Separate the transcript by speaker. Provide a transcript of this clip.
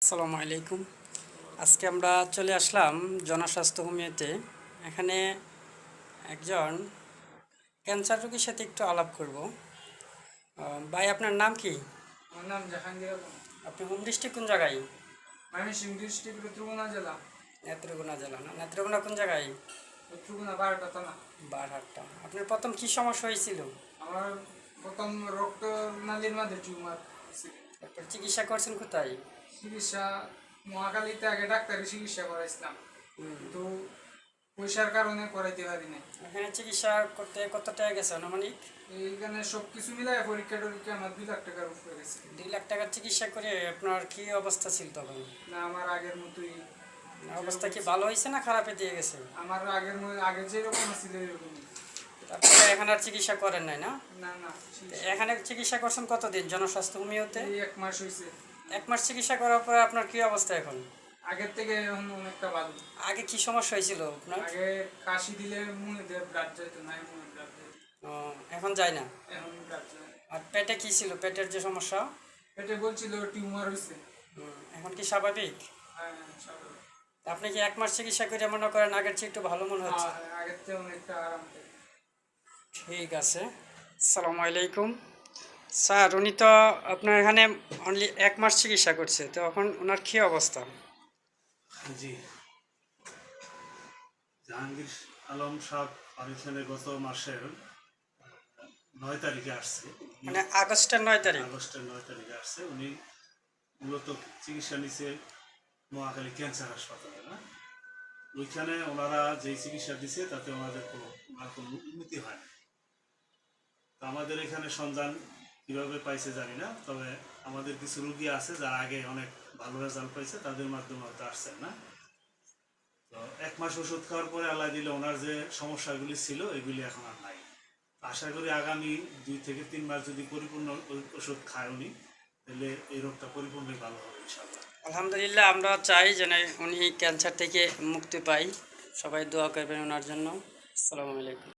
Speaker 1: আসসালামু আলাইকুম। আজকে আমরা চলে আসলাম জনস্বাস্থ্য হোমিওতে। এখানে একজন ক্যান্সার রোগীর সাথে একটু আলাপ করব। ভাই, আপনার নাম কি?
Speaker 2: আমার নাম জাহাঙ্গীর আলম।
Speaker 1: আপনি হোম ডিস্ট্রিক্ট কোন জায়গায়?
Speaker 2: ময়মনসিংহ ডিস্ট্রিক্ট নেত্রকোনা জেলা।
Speaker 1: নেত্রকোনা জেলা না? নেত্রকোনা কোন জায়গায়?
Speaker 2: নেত্রকোনা 12টা থানা।
Speaker 1: বারহাট্টা। আপনার প্রথম কি সমস্যা হয়েছিল?
Speaker 2: আমার প্রথম রক্ত নালীর মাঝে টিউমার ছিল।
Speaker 1: তারপর চিকিৎসা করছেন কোথায়?
Speaker 2: চিকিৎসা মহাখালীতে আগে ডাক্তারি চিকিৎসা করাইছিলাম,
Speaker 1: হুম।
Speaker 2: কিন্তু পয়সার কারণে করাইতে পারি নাই।
Speaker 1: এখানে চিকিৎসা করতে কত টাকা গেছে আনুমানিক?
Speaker 2: এইখানে সব কিছু মিলাই পরীক্ষা টরীক্ষা আমার 2 লাখ টাকার উপরে গেছে।
Speaker 1: 2 লাখ টাকার চিকিৎসা করে আপনার কি অবস্থা ছিল তখন?
Speaker 2: না, আমার আগের মতোই।
Speaker 1: অবস্থা কি ভালো হয়েছে না খারাপে দিয়ে গেছে?
Speaker 2: আমার আগে যেরকম ছিল এরকমই।
Speaker 1: তারপরে এখানে আর চিকিৎসা করেন নাই না?
Speaker 2: না না,
Speaker 1: এখানে চিকিৎসা করছেন কতদিন জনস্বাস্থ্য হোমিওতে?
Speaker 2: এই 1 মাস হয়েছে।
Speaker 1: 1 মাস চিকিৎসা করার পরে আপনার কি অবস্থা এখন?
Speaker 2: আগের থেকে এখন অনেকটা ভালো।
Speaker 1: আগে কি সমস্যা হয়েছিল আপনার?
Speaker 2: আগে কাশি দিলে মুখে দিয়ে ব্লাড যাইতো, নাই মুখে ব্লাড যাইতো।
Speaker 1: ও, এখন যায় না?
Speaker 2: এখন ব্লাড যায়।
Speaker 1: আর পেটে কি ছিল, পেটের যে সমস্যা?
Speaker 2: পেটে বলছিল টিউমার হয়েছে।
Speaker 1: এখন কি স্বাভাবিক?
Speaker 2: হ্যাঁ, স্বাভাবিক।
Speaker 1: আপনি কি 1 মাস চিকিৎসা করে মনে করেন আগের চেয়ে একটু ভালো মনে হচ্ছে?
Speaker 2: হ্যাঁ, আগের থেকে অনেকটা আরাম পাই।
Speaker 1: ঠিক আছে। আসসালামু আলাইকুম। স্যার, উনি তো আপনার এখানে অনলি 1 মাস চিকিৎসা করছে, তো এখন ওনার কী অবস্থা?
Speaker 3: জি, জাহাঙ্গীর আলম সাহেব এখানে গত মাসের 9 তারিখে আসছে।
Speaker 1: মানে আগস্টের 9 তারিখ?
Speaker 3: আগস্টের 9 তারিখে আসছে। উনি মূলত চিকিৎসা নিচ্ছে মহাখালী ক্যান্সার হাসপাতালে, না? ওইখানে ওনারা যেই চিকিৎসা দিচ্ছে তাতে ওনাদের কোনো উন্নতি হয় না। তো আমাদের এখানে সন্ধান কীভাবে পাইছে জানি না, তবে আমাদের কিছু রুগী আছে যারা আগে অনেক ভালো রেজাল্ট পাইছে, তাদের মাধ্যমে হয়তো আসছেন, না? তো 1 মাস ওষুধ খাওয়ার পরে আল্লাহ দিলে ওনার যে সমস্যাগুলি ছিল এগুলি এখন আর নাই। আশা করি আগামী 2 থেকে 3 মাস যদি পরিপূর্ণ ওষুধ খায় উনি, তাহলে এই রোগটা পরিপূর্ণই ভালো হবে ইনশাআল্লাহ।
Speaker 1: আলহামদুলিল্লাহ, আমরা চাই যেন উনি ক্যান্সার থেকে মুক্তি পাই। সবাই দোয়া করবেন ওনার জন্য। আসসালামু আলাইকুম।